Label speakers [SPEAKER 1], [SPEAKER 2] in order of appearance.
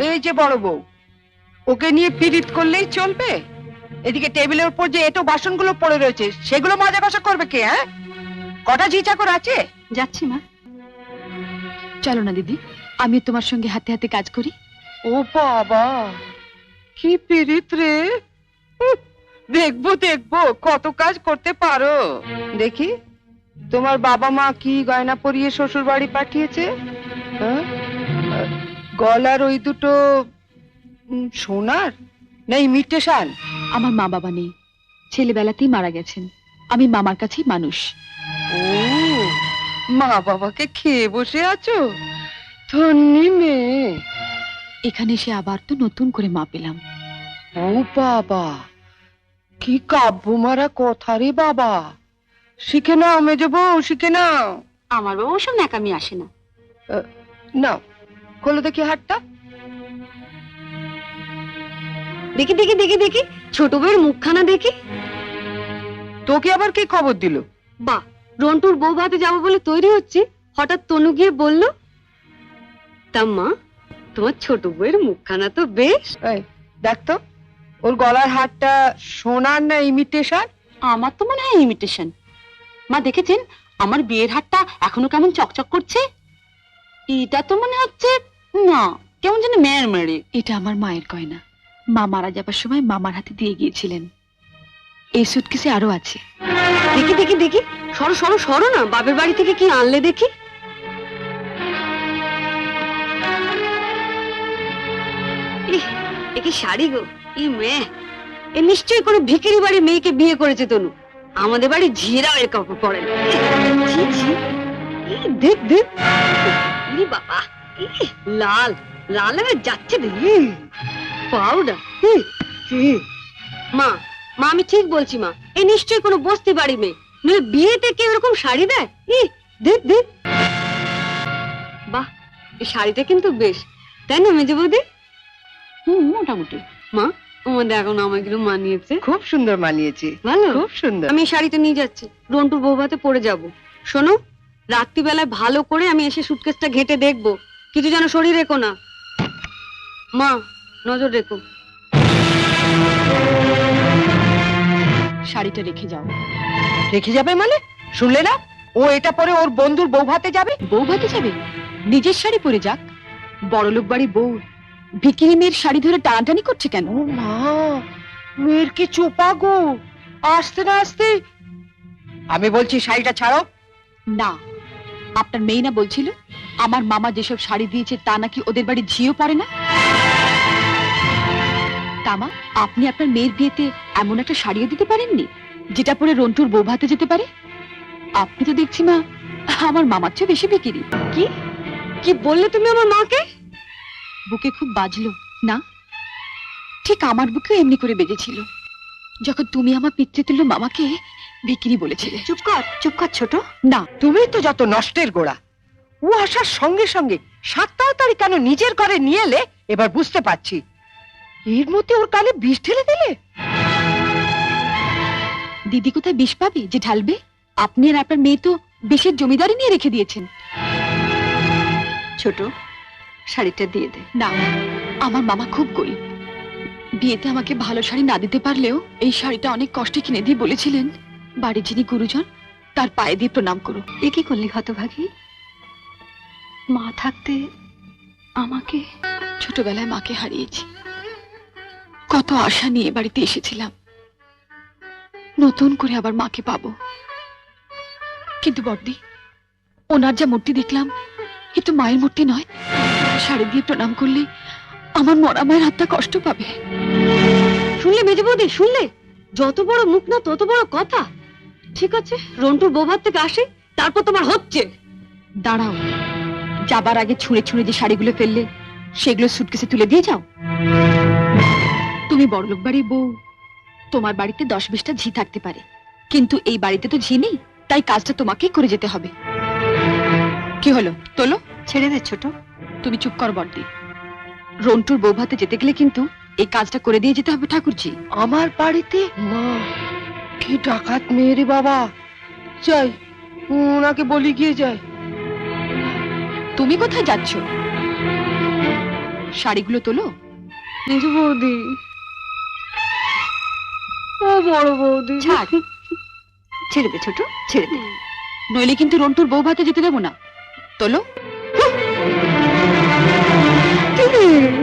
[SPEAKER 1] এই যে বড় বউ, ওকে নিয়ে পীড়িত করলেই চলবে? এদিকে টেবিলের উপর যে এটো বাসনগুলো পড়ে রয়েছে সেগুলো মাজা কষা করবে কে? হ্যাঁ, কটা ঝি চাকর আছে?
[SPEAKER 2] যাচ্ছি মা। চলো না দিদি, আমি তোমার সঙ্গে হাতে হাতে কাজ করি।
[SPEAKER 1] ও বাবা, কি পীড়িত রে! দেখবো দেখবো কত কাজ করতে পারো। দেখি তোমার বাবা মা কি গয়না পরিয়ে শ্বশুর বাড়ি পাঠিয়েছে। হ্যাঁ? গলার ওই দুটো সোনার না ইমিটেশন?
[SPEAKER 2] আমার মা বাবা নেই, ছেলেবেলাতেই মারা গেছেন। আমি মামার কাছেই মানুষ।
[SPEAKER 1] ও, মা বাবাকে খেয়ে বসে আছো? ধন্যি মেয়ে।
[SPEAKER 2] এখানে এসে আবার তো নতুন করে মা পেলাম।
[SPEAKER 1] ও বাবা, কি কাব্য মারা কথা রে বাবা! শিখে নাও মেজো বউ, শিখে নাও।
[SPEAKER 2] আমার বাবা ওসব ন্যাকামি আসে না।
[SPEAKER 1] নাও, খোলো দেখি হাতটা।
[SPEAKER 2] দেখি দেখি দেখি দেখি, ছোট বউয়ের মুখখানা দেখি।
[SPEAKER 1] তোকে আবার কি খবর দিল?
[SPEAKER 2] বা, রন্টুর বউ ভাতে যাবো বলে তৈরি হচ্ছে, হঠাৎ তনু গিয়ে বলল, তা মা, তোমার ছোট বউয়ের মুখখানা তো বেশ।
[SPEAKER 1] এই দেখ তো, ওর গলার হারটা সোনার না ইমিটেশন?
[SPEAKER 2] আমার তো মনে হয় ইমিটেশন। মা দেখেছেন আমার বিয়ের হারটা এখনো কেমন চকচক করছে? এটা তো মনে হচ্ছে না, কেমন যেন মেয়ের মেরে। এটা আমার মায়ের গয়না, মা মারা যাবার সময় মামার হাতে দিয়ে গিয়েছিলেন। এই সুটকেসে আরো আছে। দেখি দেখি দেখি, সরো সরো সরো না, বাপের বাড়ি থেকে কি আনলে দেখি। এ কি শাড়ি গো! ই মেয়ে, এ নিশ্চয়ই কোনো ভিখারি বাড়ির মেয়েকে বিয়ে করেছে তনু। আমাদের বাড়ি ঝিরাও এর কাপড় পরে না। ছি, ছি। দেখ দেখ, ইরে বাবা, লাল লাল হয়ে যাচ্ছে পাউডার। মা মা, আমি ঠিক বলছি মা, এ নিশ্চয়ই কোনো বস্তি বাড়ি মেয়ে, নইলে বিয়েতে কেউ এরকম শাড়ি দেয়? দেখ দেখ, বাহ, এই শাড়িটা কিন্তু বেশ, তাই না মেজে বৌদি? মোটামুটি। মা, আমাদের এখন আমাগুলো মানিয়েছে।
[SPEAKER 1] খুব সুন্দর মানিয়েছে,
[SPEAKER 2] ভালো,
[SPEAKER 1] খুব সুন্দর।
[SPEAKER 2] আমি শাড়িটা নিয়ে যাচ্ছি, রন্টুর বউ ভাতে পরে যাব। শোনো, রাত্রিবেলায় ভালো করে আমি এসে সুটকেসটা ঘেঁটে দেখবো, কিছু যেন শরীর রেখো না। মা, নজর রেখো। শাড়িটা রেখে যাও।
[SPEAKER 1] রেখে যাবে মানে? শুনলে না, ও এটা পরে ওর বন্ধুর বউ ভাতে যাবে।
[SPEAKER 2] বউ ভাতে যাবে? নিজের শাড়ি পরে যাক। বড়লোক বাড়ি বউ ভিকিরি মেয়ের শাড়ি ধরে টানাটানি করছে কেন?
[SPEAKER 1] ও মা, মেয়ের কি চোপা গো! আসতে না আসতে। আমি বলছি শাড়িটা ছাড়ো।
[SPEAKER 2] না, আপনার মেয়ে না বলছিল আমার মামা যেসব শাড়ি দিয়েছে তা নাকি ওদের বাড়ি ঝিও পড়ে না? তামা, আপনি আপনার মেয়ের বিয়েতে এমন একটা শাড়িও দিতে পারেননি যেটা পরে রন্টুর বউ ভাতে যেতে পারে? আপনি তো দেখছি মা আমার মামার চেয়ে বেশি বিকিরি। কি কি বললে তুমি আমার মাকে? বুকে খুব বাজলো না? ঠিক আমার বুকেও এমনি করে বেজেছিল যখন তুমি আমার পিতৃতুল্য মামাকে বিকিরি বলেছিলে। চুপ কর ছোট। না,
[SPEAKER 1] তুমি তো যত নষ্টের গোড়া। ও আসার সঙ্গে সঙ্গে 7 তাড়াতাড়ি কেন নিজের ঘরে নিয়ে এলে এবার বুঝতে পারছি। এর মধ্যে ওর কানে বিষ ঢেলে দিলে।
[SPEAKER 2] দিদি কোথায় বিষ পাবে যে ঢালবে? আপনি আর আপনার মেয়ে তো বিষের জমিদারি নিয়ে রেখে দিয়েছেন। ছোট, শাড়িটা দিয়ে দে। না, আমার মামা খুব গরিব, বিয়েতে আমাকে ভালো শাড়ি না দিতে পারলেও এই শাড়িটা অনেক কষ্টে কিনে দিয়ে বলেছিলেন বাড়ির যিনি গুরুজন তার পায়ে দিয়ে প্রণাম করো। এ কি করলি হতভাগী? মা থাকতে আমাকে, ছোটবেলায় মাকে হারিয়েছি, কত আশা নিয়ে বাড়িতে এসেছিলাম, নতুন করে আবার মাকে পাবো। কিন্তু বড়দি, ওনার যা মূর্তি দেখলাম এ তো মায়ের মূর্তি নয়। শাড়ি দিয়ে প্রণাম করলে আমার মরা মায়ের হাতটা কষ্ট পাবে। শুনলে মেজে বৌদি, শুনলে? যত বড় মুখ না তত বড় কথা। ঠিক আছে, রন্টুর বৌভাত থেকে আসে, তারপর তোমার হচ্ছে। দাঁড়াও, যাবার আগে ছুঁড়ে ছুঁড়ে যে শাড়িগুলো ফেললে সেগুলো সুটকেসে তুলে দিয়ে যাও। তুমি বড়লোক বাড়ির বউ, তোমার বাড়িতে 10-20টা ঝি থাকতে পারে, কিন্তু এই বাড়িতে তো ঝি নেই, তাই কাজটা তোমাকেই করে যেতে হবে। কি হলো, তোলো। ছেড়ে দে ছোট। তুমি চুপ কর বড়দি। রন্টুর বউ ভাতে যেতে গেলে কিন্তু এই কাজটা করে দিয়ে যেতে হবে ঠাকুরজি।
[SPEAKER 1] আমার বাড়িতে? মা, কি ডাকাত মেয়ে রে বাবা! যাই, ওনাকে বলি গিয়ে যাই।
[SPEAKER 2] তুমি কোথায় যাচ্ছ? শাড়িগুলো তোলো।
[SPEAKER 3] মেজো বৌদি, ও বড় বৌদি,
[SPEAKER 2] ছাড়, ছেড়ে দে ছোট, ছেড়ে দে, নইলে কিন্তু রন্টুর বউ ভাতে যেতে দেবো না। তোলো।
[SPEAKER 3] কি?